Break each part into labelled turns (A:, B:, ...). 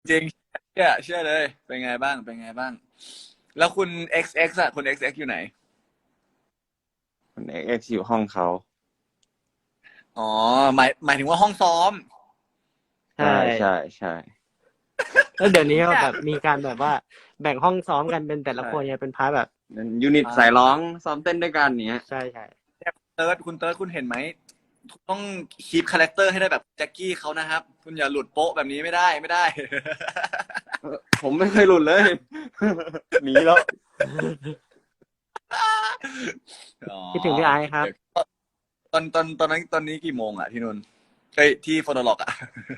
A: จริงเชื่อเลยเป็นไงบ้างเป็นไงบ้างแล้วคุณ XX อ่ะคุณ XX อกซ์อยู่ไหน
B: คนเอ็กซ์อยู่ห้องเขา
A: อ๋อหมายถึงว่าห้องซ้อม
C: ใช่
B: ใช่ใช่ใช่
C: แล้วเดี๋ยวนี้ก็
A: เนี่ย
C: แบบมีการแบบว่าแบ่งห้องซ้อมกันเป็นแต่ละคน
B: ใช่
C: เนี่ยเป็นพาร์ทแบบ
B: เป็นยูนิตสายร้องซ้อมเต้นด้วยกันเนี้ย
C: ใช่ใช่
A: คุณเติร์ดคุณเห็นไหมต้องคีปคาแรคเตอร์ให้ได้แบบแจ็คกี้เขานะครับคุณอย่าหลุดโป๊ะแบบนี้ไม่ได้
B: ผมไม่เคยหลุดเลยหนีแล้ว
A: อ๋อ
C: คิดถึงพี่ไอซ์ครับ
A: ตอนนี้กี่โมงอ่ะที่นู่นเอ้ยที่ฟอนอล็อกอ่ะ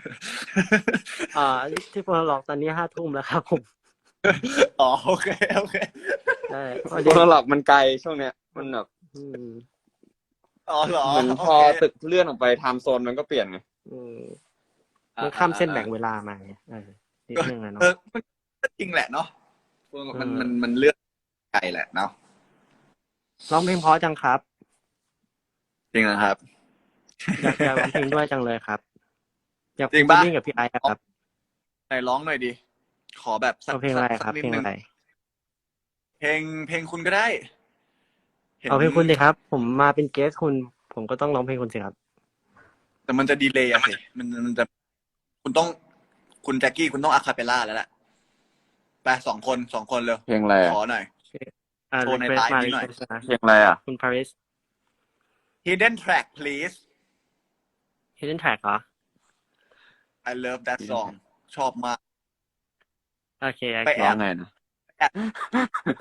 C: ที่โฟนหลอกตอนนี้5 ทุ่มแล้วครับผม
A: อ๋อโอเค
C: ใช่พอ
B: โค
C: ดี
B: นหลอกมันไกลช่วงเนี้ยมันแบบ
C: อืม
A: อ๋อเหรอ
B: เหมือนพอ
A: โอเค
B: ตึกเลื่อนออกไปไทม์โซนมันก็เปลี่ยนไง
C: อืม
A: อ่า
C: มันข้ามเส้น
A: อ่าอ่า
C: แบ่งเวลามาไงนิดนึงอะ
A: เอ
C: เนาะ
A: อมันก็จริงแหละเนาะ
C: อื
A: มัน
C: ม
A: เลือกไกลแหละเนาะ
C: ร้องเพลงเพราะจังครับ
A: จริงนะครับ
C: อยากร้องเพลงด้วยจังเลยครับอยาก
A: จริง
C: ฟีเจอ
A: ปะ
C: ริ่งกับพี่ไอซ์อะครับ
A: ไหนร้องหน่อยดิขอแบบสัก
C: เอาเพลง
A: สัก
C: อะไรครับ
A: สักนิดนึง
C: เพลงอะไร
A: เพลงคุณก็ได้เห็น
C: เอาเพลงคุณสิครับผมมาเป็นเกสคุณผมก็ต้องร้องเพลงคุณสิครับ
A: แต่มันจะดีเลย์อะสิมันจะคุณต้องคุณแจ็คกี้คุณต้องอะคาเปลล่าแล้วแหละไปสองคนเลย
B: เพลงอะไรอ่ะ
A: ขอหน่อยโชว์ใน
C: รีเควสมา
A: ไลฟ์นี้หน่อย
C: รีเควสนะ
B: เพลงอะไรอ่ะ
C: คุณ Paris
A: Hidden Track please
C: Hidden Track เหรอ
A: I love that song ชอบมาก
C: โอเคโอ
A: ไป
C: เค
B: ร้อง
A: แอบ
B: ไงนะ
A: แอบไป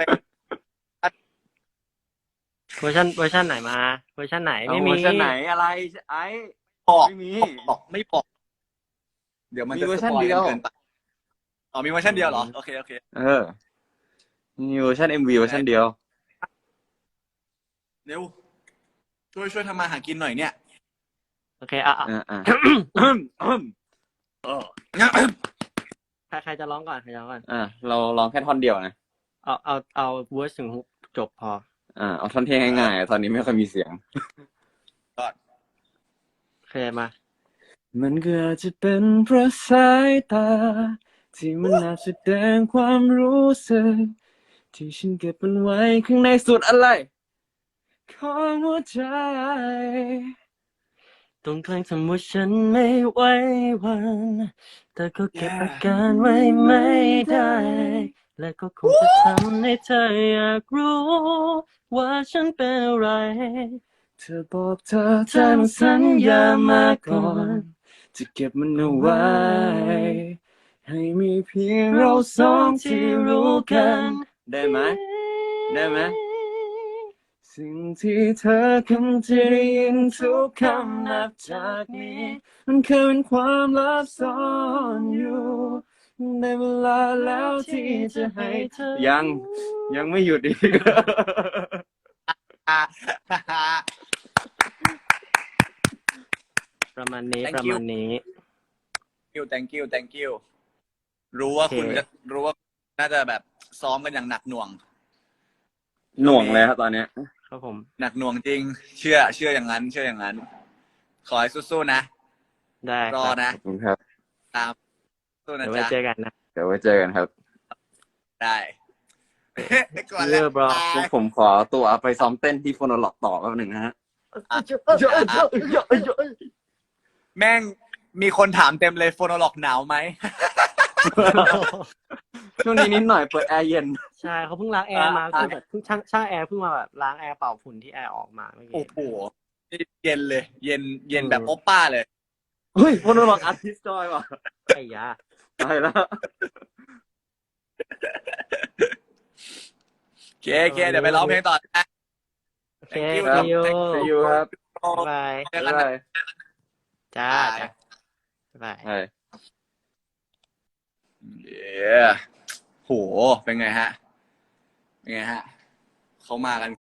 C: เวอร์ชันไหนมาเวอร์ชันไหน
B: เอา
C: ไม่มี
B: เวอร์ชันไหนอะไรไอ้
A: บอก
B: ไม่มี
A: ไม่บอกเดี๋ยวมัน
B: มี
A: จะสปอย
B: เวอร์ชันเดียว
A: กันเกินไปอ๋อมีเวอร์
C: อื
A: ชันเดียวเหรอ
C: ม
A: โอเค
B: เออมีเวอร์ชันMVเวอร์ชันเดียว
A: เร็วช่วยทำมาหากินหน่อยเนี่ย
C: โอเคอ่ะ
B: อ่า
A: เออ
C: ใครจะร้องก่อนใครจะร้องก่อน
B: เราลองแค่ท่อนเดียวนะ
C: เอาเวอร์สถึงฮุกจบพอ
B: เอาท่อนเท่ง่ายๆตอนนี้ไม่ค่อยมีเสียง
A: ก็
C: โอเคมา
B: มันก็อาจจะเป็นเพราะสายตาที่มันอาจแสดงความรู้สึกที่ฉันเก็บมันไว้ข้างในสุดอะไรของหัวใจ
C: ตรงกลางทำว่าฉันไม่ไหววันแต่ก็เก็บอาการไว้ไม่ได้ และก็คงจะทำให้เธออยากรู้ว่าฉันเป็นอะไร
B: เธอบอกเธอสัญญามาก่อนจะเก็บมันเอาไว้ให้มีเพียงเราสองที่รู้กันได้ไหมได้ไหมสิ่งที่เธอคำจะได้ยินทุกคำนับจากนี้มันเคยเป็นความลับซ่อนอยู่ในเวลาแล้วที่จะให้เธอยังไม่หยุดอีก
A: อ่า
C: ประมาณนี้
A: thank
C: ประ
A: you
C: มาณนี้
A: thank you รู้
C: โอเค
A: ว่าคุณจะรู้ว่าน่าจะแบบซ้อมกันอย่างหนักหน่วง
B: หน่วงเลยครับตอนเนี้ย
C: ครับผม
A: หนักหน่วงจริงเชื่ออย่างนั้นขอให้สู้ๆนะ
C: ได้
A: รอ
C: ครับ
A: นะ
B: ขอบคุณครับ
A: ตามสู้นะ
C: เดี๋ยวไว้
A: จ๊ะ
C: เจอกันนะ
B: เดี๋ยวไว้เจอกันครับ
A: ได้ไปก่อน
C: See
A: แล้ว
C: you bro
A: บาย
B: พวกผมขอตัวไปซ้อมเต้นที่โฟโนโลกต่อแป๊บหนึ่งนะฮะ
A: แม่งมีคนถามเต็มเลยโฟโนล็อกหนาวไหม
B: ช่วงนี้นิดหน่อยเปิดแอร์เย็น
C: ใช่เขาเพิ่งล้างแอร์มาคือแบบเพิ่งช่างแอร์เพิ่งมาแบบล้างแอร์เป่าฝุ่นที่แอร์ออกมาเมื่อกี้
A: โอ้โหเย็นเลยเย็นแบบโอปป้าเลย
B: เฮ้ยโฟโนโลกอาร์ติสต์จอยว่ะ
C: ไอ้ยา
B: ตายแล้ว
A: โอเคเดี๋ยวไปร้องเพลงต่อนะ
C: โอเค
A: thank you
B: ครับ
C: see you
B: see you ครับ
C: บ๊ายบาย
A: เจอกันนะ
B: บ๊ายบาย
C: จ้า
A: บาย
C: จ้าบ๊ายบาย
B: ใช่
A: เย้โหเป็นไงฮะเขามากัน